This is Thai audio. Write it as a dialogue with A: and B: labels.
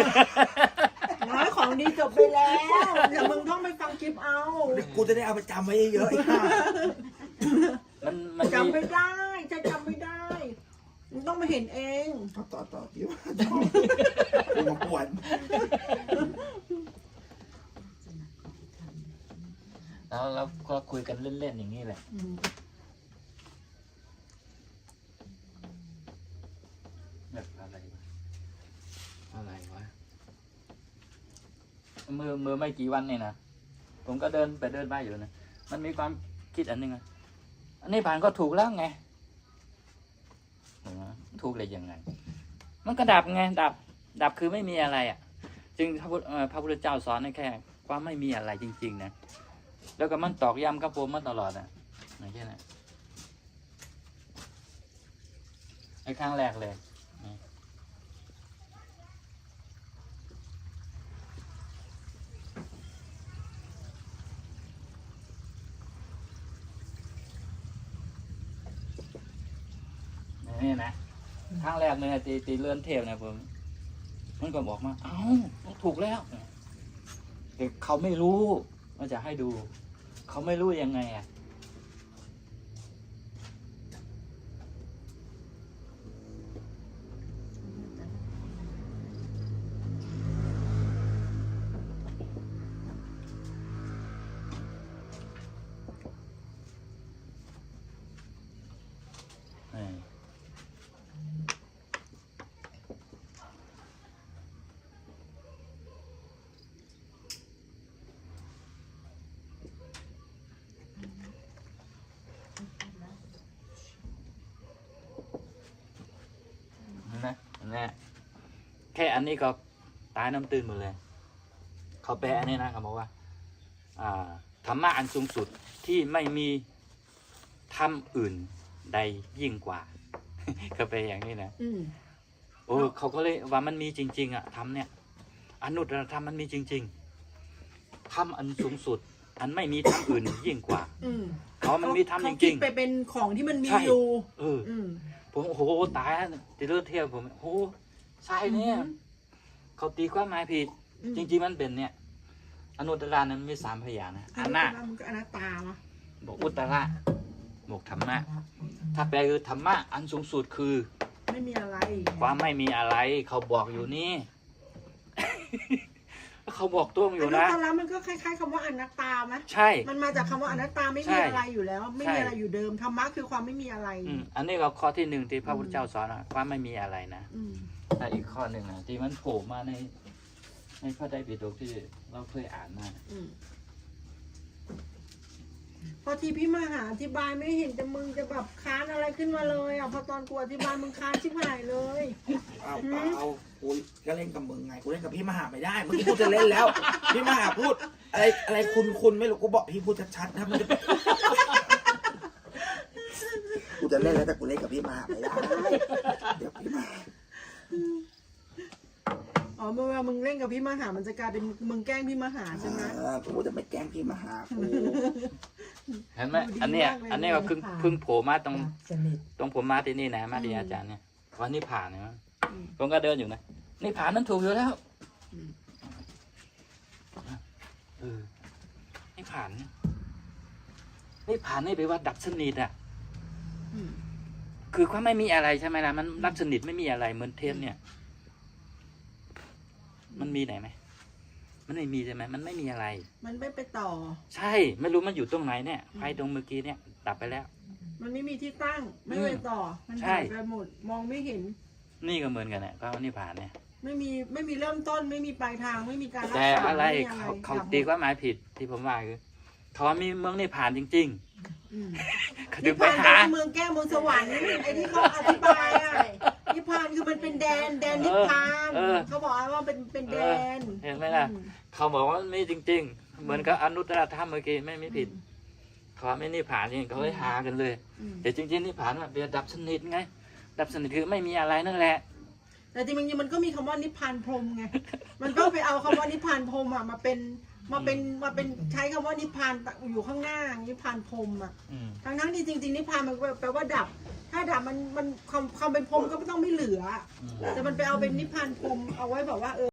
A: น้อยของดีจบไปแล้วเดี๋ยวมึงต้องไปฟังคลิปเอา
B: กูจะได้เอาไปจำไว้เยอะ
C: มัน
A: จำไม่ได้จะจำไม่ได้มึงต้องมาเห็นเอง
B: ต่อพี่ว่ากูมาปวด
C: แล้วเราก็คุยกันเล่นๆอย่างนี้แหละแบบอะไรวะเมื่อไม่กี่วันนี่นะผมก็เดินไปอยู่นะมันมีความคิดอันนึงอันนี้ผ่านก็ถูกแล้วไงถูกเลยยังไงมันก็ดับไงดับคือไม่มีอะไรอ่ะจึงพระพุทธเจ้าสอนให้แค่ว่าไม่มีอะไรจริงๆนะแล้วก็มันตอกย้ำกับผมมาตลอดอ่ะอย่างเช่นไอ้ครั้งแรกเลยนี่นะครั้งแรกเลยตีเลื่อนเทปนะผมมันก็บอกมาเอ้าถูกแล้วแต่เขาไม่รู้ว่าจะให้ดูเขาไม่รู้ยังไงอ่ะนะแค่อันนี้ก็ตายน้ำตื้นหมดเลยเขาแปลอันนี้นะเขาบอกว่าธรรมะอันสูงสุดที่ไม่มีธรรมอื่นใดยิ่งกว่าเขาแปลอย่างนี้นะโอ้เขาก็เลยว่ามันมีจริงๆอ่ะธรรมเนี่ยอนุตตรธรรมมันมีจริงๆธรรมอันสูงสุดอันไม่มีธรรมอื่นยิ่งกว่าเขามันมีธรรมจริงๆ
A: ไปเป็นของที่มันมีอยู่
C: ผมโอ้โหตายตีเลือดเทียบผมโอ้ใช่เนี่ยเขาตีความหมายผิดจริงๆมันเป็นเนี่ยอนุตตรนั้นมี3 พยางค์นะอนัต
A: มันก็อนัตตาวะ
C: บอกอุตตระบอกธรรมะถ้าแปลคือธรรมะอันสูงสุดคือ
A: ไม่มีอะไร
C: ความไม่มีอะไรเขาบอกอยู่นี่เขาบอกตัวอยู่นะ
A: อนุตตระมันก็คล้ายๆคำว่าอนัตตาไหม
C: ใช่
A: มันมาจากคำว่าอนัตตาไม่มีอะไรอยู่แล้วไม่มีอะไรอยู่เดิมธรรมะคือความไม่มีอะไร
C: อันนี้ก็ข้อที่1ที่พระพุทธเจ้าสอนว่าไม่มีอะไรนะแต่อีกข้อหนึ่งนะที่มันโผล่มาในพระไตรปิฎกที่เราเคยอ่านมา
A: พอทีพี่มาหาอธิบายไม่เห็นจะมึงจะแบบค้านอะไรขึ้นมาเลยพอตอนกูอธิบายมึงค้านชิบหายเลย
B: เอากูก็เล่นกับมึงไงกูเล่นกับพี่มหาไม่ได้เมื่อกี้พูดจะเล่นแล้วพี่มหาพูดอะไรคุณไม่รู้กูบอกพี่พูดชัดๆนะมันจะกูจะเล่นแล้วแต่กูเล่นกับพี่มหาไม่ได้เดี๋ยวพี่มหา
A: เมื่อมึงเล่นกับพี่มหามันจะกลายเป็นมึงแกล้งพี่มหาใช่ไหม
B: กูจะไม่แกล้งพี่มหากู
C: เห็นไหมอันนี้ก็เพิ่งโผล่มาตรงผมมาที่นี่นะมาที่อาจารย์เนี่ยวันนี้ผ่านเนี่ยผมก็เดินอยู่นะนี่ผ่านนั้นถูกอยู่แล้วนี่ผ่านนี่ไปว่าดับสนิทอ่ะคือความไม่มีอะไรใช่ไหมล่ะมันดับสนิทไม่มีอะไรเหมือนเทปเนี่ยมันมีไหนไหมมันไม่มีใช่ไหมมันไม่มีอะไร
A: มันไม่ไปต่อ
C: ใช่ไม่รู้มันอยู่ตรงไหนเนี่ยไฟตรงเมื่อกี้เนี่ยดับไปแล้ว
A: มันไม่มีที่ตั้งไม่ไปต่อมันหายไปหมดมองไม่เห็น
C: นี่ก็เหมือนกันเนี่ยพระนิพพานเนี่ย
A: ไม่มีเริ่มต้นไม่มีปลายทางไม่มีการ
C: แต่อะไรเขาตีความหมายผิดที่ผมว่าคือเขามีเมืองนิพพานจริงๆเขา
A: ถึงไปหาเมืองแก้วเมืองสวรรค์ไอ้ที่เขาอธิบายนิพพานคือมันเป็นแดนนิพพานเขาบอกว่าเป็นแดน
C: เห็นไหมล่ะเขาบอกว่ามีจริงๆเหมือนกับอนุตตรธรรมเมื่อกี้ไม่ผิดเขาไม่นิพพานจริงเขาเลยหากันเลยแต่จริงๆนิพพานมันเป็นดับสนิทไงดับสนิทคือไม่มีอะไรนั่นแหละ
A: แต่จริงๆมันก็มีคำว่านิพพานพรหมไงมันก็ไปเอาคำว่านิพพานพรหมมาเป็นใช้คำว่านิพพานอยู่ข้างหน้านิพพานพรหมทั้งที่จริงๆนิพพานมันแปลว่าดับถ้าดับมันความเป็นพรหมก็ไม่ต้องไม่เหลือแต่มันไปเอาเป็นนิพพานพรหมเอาไว้แบบว่า